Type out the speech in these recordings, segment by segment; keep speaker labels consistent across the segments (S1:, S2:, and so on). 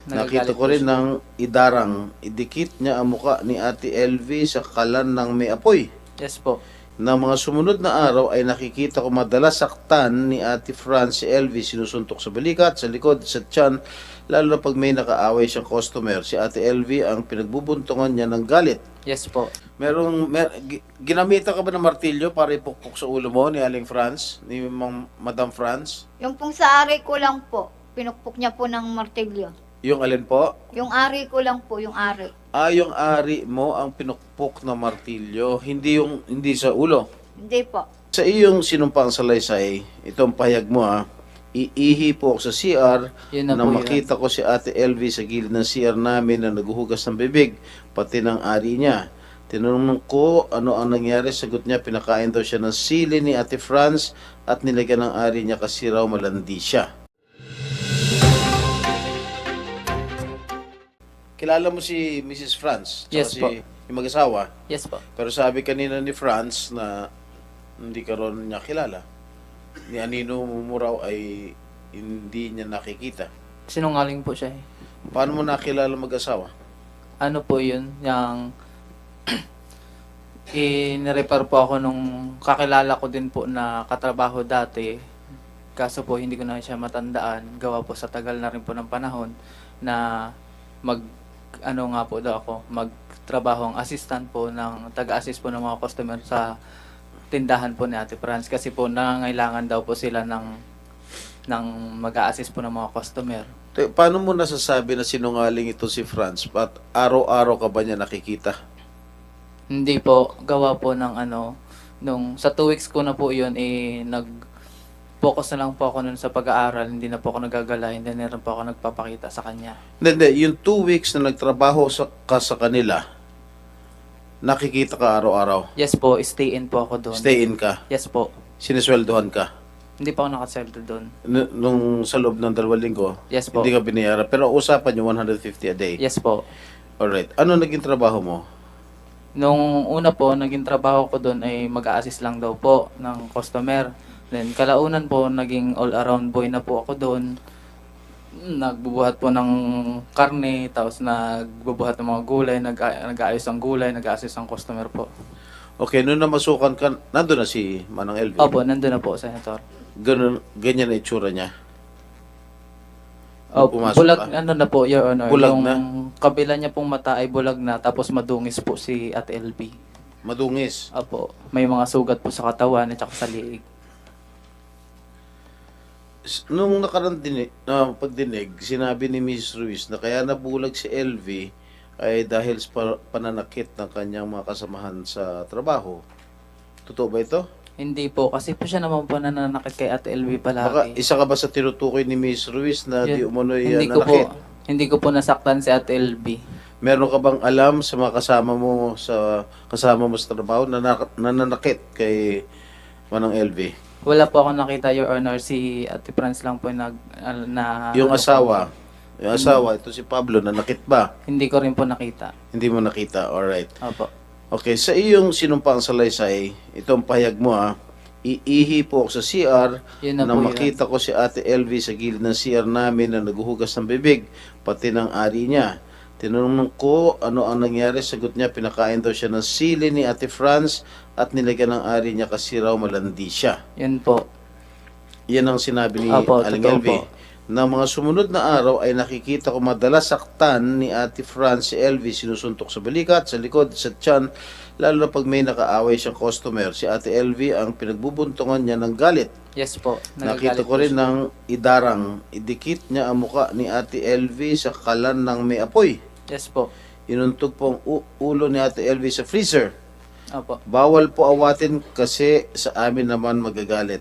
S1: Nakita
S2: Nagagalit
S1: ko
S2: po
S1: rin
S2: siya.
S1: ng idarang idikit niya ang muka ni Ate LV sa kalan ng may apoy.
S2: Yes po.
S1: Na mga sumunod na araw ay nakikita ko madalas saktan ni Ate Franz si LV, sinusuntok sa balikat, sa likod, sa tiyan, lalo na pag may nakaaway siyang customer. Si Ate LV ang pinagbubuntungan niya ng galit.
S2: Yes po.
S1: Ginamitan ka ba ng martilyo para ipukpok sa ulo mo ni Aling Franz, ni Madam Franz?
S3: Yung pong sa ari ko lang po, pinukpok niya po ng martilyo.
S1: Yung alin po?
S3: Yung ari ko lang po, yung ari.
S1: Yung ari mo ang pinukpok na martilyo, hindi sa ulo.
S3: Hindi po.
S1: Sa iyong sinumpang salaysay, itong pahayag mo iihi po ako sa CR
S2: Yun na
S1: na
S2: po
S1: makita ko si Ate LV sa gilid ng CR namin na naghuhugas ng bibig, pati ng ari niya. Tinanong ko ano ang nangyari, sagot niya pinakain daw siya ng sili ni Ate Franz at nilagyan ng ari niya kasi raw malandi siya. Kilala mo si Mrs. Franz? Tsaka
S2: Yes po.
S1: yung mag-asawa?
S2: Yes po.
S1: Pero sabi kanina ni Franz na hindi ka ron niya kilala. Ni Anino Mumuraw ay hindi niya nakikita.
S2: Sinungaling po siya eh.
S1: Paano mo nakilala mag-asawa?
S2: Ano po yun? Yung in-repair po ako nung kakilala ko din po na katrabaho dati. Kaso po hindi ko na siya matandaan. Gawa po sa tagal na rin po ng panahon na nga po daw ako, magtrabaho ang assistant po ng taga-assist po ng mga customer sa tindahan po ni Ate Franz kasi po nangangailangan daw po sila ng mag-a-assist po ng mga customer.
S1: Paano mo nasasabi na sinungaling ito si Franz? At araw-araw ka ba niya nakikita?
S2: Hindi po, gawa po ng nung sa 2 weeks ko na po yun, nag-focus na lang po ako nun sa pag-aaral, hindi na po ako nagagala, hindi na rin po ako nagpapakita sa kanya.
S1: Hindi. Yung 2 weeks na nagtrabaho ka sa kanila, nakikita ka araw-araw.
S2: Yes po, stay in po ako doon.
S1: Stay in ka.
S2: Yes po.
S1: Sinisweldohan ka.
S2: Hindi pa ako nakaseldo doon.
S1: Nung sa loob ng 2 linggo,
S2: Yes po.
S1: hindi ka binayaran. Pero usapan yung 150 a day.
S2: Yes po.
S1: Alright. Ano naging trabaho mo?
S2: Nung una po, naging trabaho ko doon ay mag-a-assist lang daw po ng customer. Then kalaunan po, naging all-around boy na po ako doon. Nagbubuhat po ng karne, tapos nagbubuhat ng mga gulay, nag-aayos ng gulay, nag-a-assist ng customer po.
S1: Okay, nung namasukan ka, nandun na si Manang LV.
S2: Opo, nandun na po, Senator.
S1: Ganyan na itsura niya.
S2: Opo,
S1: Pumasok
S2: bulag,
S1: ka?
S2: na po, Your Honor.
S1: Bulag
S2: yung
S1: na?
S2: kabila niya pong mata ay bulag na, tapos madungis po si Ate LB.
S1: Madungis.
S2: Opo, may mga sugat po sa katawan at saka sa liig.
S1: Nung pagdinig, sinabi ni Mrs. Ruiz na kaya nabulag si LV ay dahil sa pananakit ng kanyang mga kasamahan sa trabaho. Totoo ba ito?
S2: Hindi po, kasi po siya naman po nananakit kay Ate LB
S1: Baka
S2: palagi.
S1: isa ka ba sa tinutukoy ni Mrs. Ruiz na di umunoy
S2: hindi ko po,
S1: nanakit?
S2: hindi ko po nasaktan si Ate LB.
S1: Meron ka bang alam sa mga kasama mo sa trabaho na nananakit kay Manang LV?
S2: Wala po ako nakita, Your Honor. Si Ate Franz lang po
S1: Yung asawa, ito si Pablo, nanakit ba?
S2: Hindi ko rin po nakita.
S1: Hindi mo nakita, alright.
S2: Opo.
S1: Okay, sa iyong sinumpang salaysay, itong pahayag mo iihi po ako sa CR
S2: Yun na
S1: na
S2: po
S1: makita ko si Ate LV sa gilid ng CR namin na naghuhugas ng bibig, pati ng ari niya. Tinanong ko ano ang nangyari, sagot niya pinakain daw siya ng sili ni Ate Franz at nilagyan ng ari niya kasi raw malandi siya.
S2: Yun po.
S1: Yan ang sinabi ni
S2: Opo,
S1: Aling
S2: totoo
S1: LV.
S2: po.
S1: Na mga sumunod na araw ay nakikita ko madalas saktan ni Ate Franz si LV, sinusuntok sa balikat, sa likod, sa tiyan, lalo na pag may nakaaway siyang customer. Si Ate LV ang pinagbubuntungan niya ng galit.
S2: Yes po.
S1: Nakita
S2: Nagagalit
S1: ko rin
S2: po siya.
S1: ng idarang idikit niya ang muka ni Ate LV sa kalan ng may apoy.
S2: Yes po.
S1: Inuntog po ang ulo ni Ate LV sa freezer.
S2: Opo.
S1: Bawal po awatin kasi sa amin naman magagalit.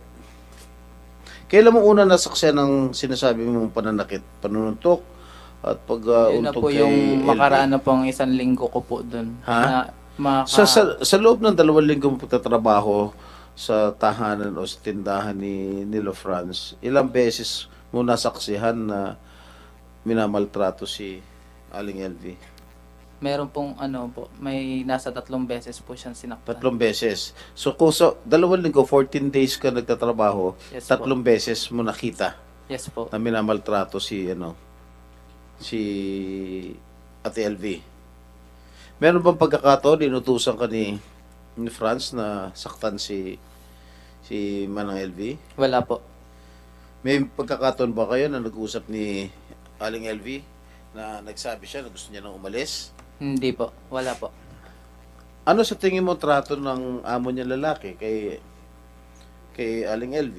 S1: Kailan mo una nasaksihan ng sinasabi mong pananakit? Panununtok at
S2: Yun na
S1: pag-untog
S2: po
S1: kay
S2: yung
S1: LV?
S2: makaraan na pong 1 linggo ko po doon.
S1: Ha? Sa loob ng 2 linggo mo pagtatrabaho sa tahanan o sa tindahan ni Nilo Franz, ilang beses mo nasaksihan na minamaltrato si Aling LV?
S2: Meron pong may nasa 3 beses po siyang sinaktan.
S1: 3 beses. So kung sa 2 linggo, 14 days ka nagtatrabaho,
S2: Yes
S1: 3
S2: po.
S1: beses mo nakita
S2: Yes po.
S1: na minamaltrato si si Ate LV. Meron bang pagkakataon inutusan ka ni Franz na saktan si Manang LV?
S2: Wala po.
S1: May pagkakataon ba kayo na nag-usap ni Aling LV na nagsabi siya na gusto niya nang umalis?
S2: Hindi po. Wala po.
S1: Ano sa tingin mo trato ng amo niya lalaki kay Aling LV?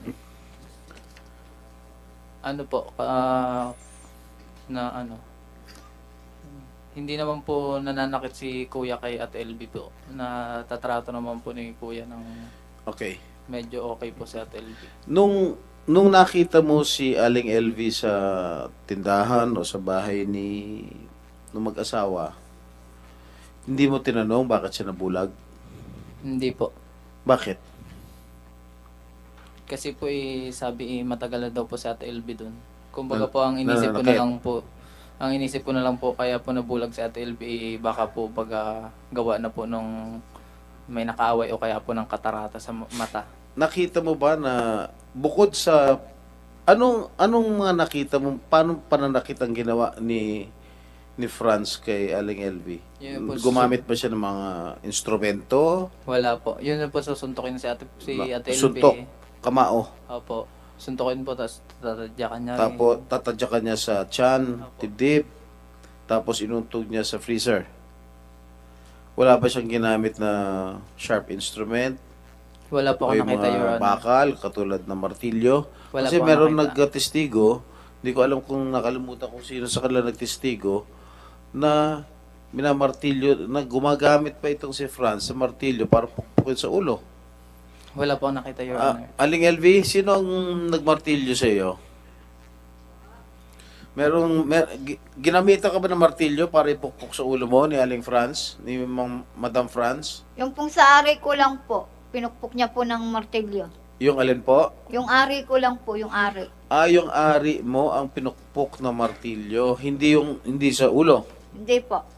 S2: Ano po, hindi naman po nananakit si Kuya kay Ate LB po. Natatrato naman po ni Kuya ng
S1: Okay.
S2: medyo okay po si Ate LB.
S1: Nung nakita mo si Aling LV sa tindahan o sa bahay nung mag-asawa, hindi mo tinanong bakit siya nabulag?
S2: Hindi po.
S1: Bakit?
S2: Kasi po sabi matagal na daw po si Ate LB doon. Kumbaga
S1: Na-
S2: po ang inisip ko na
S1: nananakit.
S2: lang po, ang inisip ko na lang po kaya po nabulag si Ate LB baka po gawa na po nung may nakaaway o kaya po ng katarata sa mata.
S1: Nakita mo ba na bukod sa anong mga nakita mo, paano pananakit ang ginawa ni Franz kay Aling LV?
S2: Yun po,
S1: Gumamit ba siya ng mga instrumento?
S2: Wala po. Yun na po susuntukin si Ate LB.
S1: Suntok, kamao.
S2: Opo. Suntukin po, tapos tatadyakan niya.
S1: Tapos tatadyakan niya sa tiyan,
S2: Opo.
S1: dibdib, tapos inuntog niya sa freezer. Wala ba siyang ginamit na sharp instrument?
S2: Wala po
S1: O
S2: ako
S1: yung
S2: nakita, Your
S1: mga
S2: Honor.
S1: bakal, katulad ng martilyo?
S2: Wala
S1: Kasi
S2: po ako
S1: meron
S2: nakita.
S1: nagtestigo, hindi ko alam kung nakalimutan kung sino sa kanila nagtestigo, na minamartilyo, na gumagamit pa itong si Franz sa martilyo para pukpukin sa ulo.
S2: Wala po ako nakita, Your Honor.
S1: Aling LV, sino ang nagmartilyo sa iyo? Ginamitan ka ba ng martilyo para ipukpok sa ulo mo ni Aling Franz, ni Madam Franz?
S3: Yung pong sa ari ko lang po, pinukpok niya po ng martilyo.
S1: Yung alin po?
S3: Yung ari ko lang po, yung ari.
S1: Yung ari mo ang pinukpok na martilyo, hindi sa ulo.
S3: Hindi po.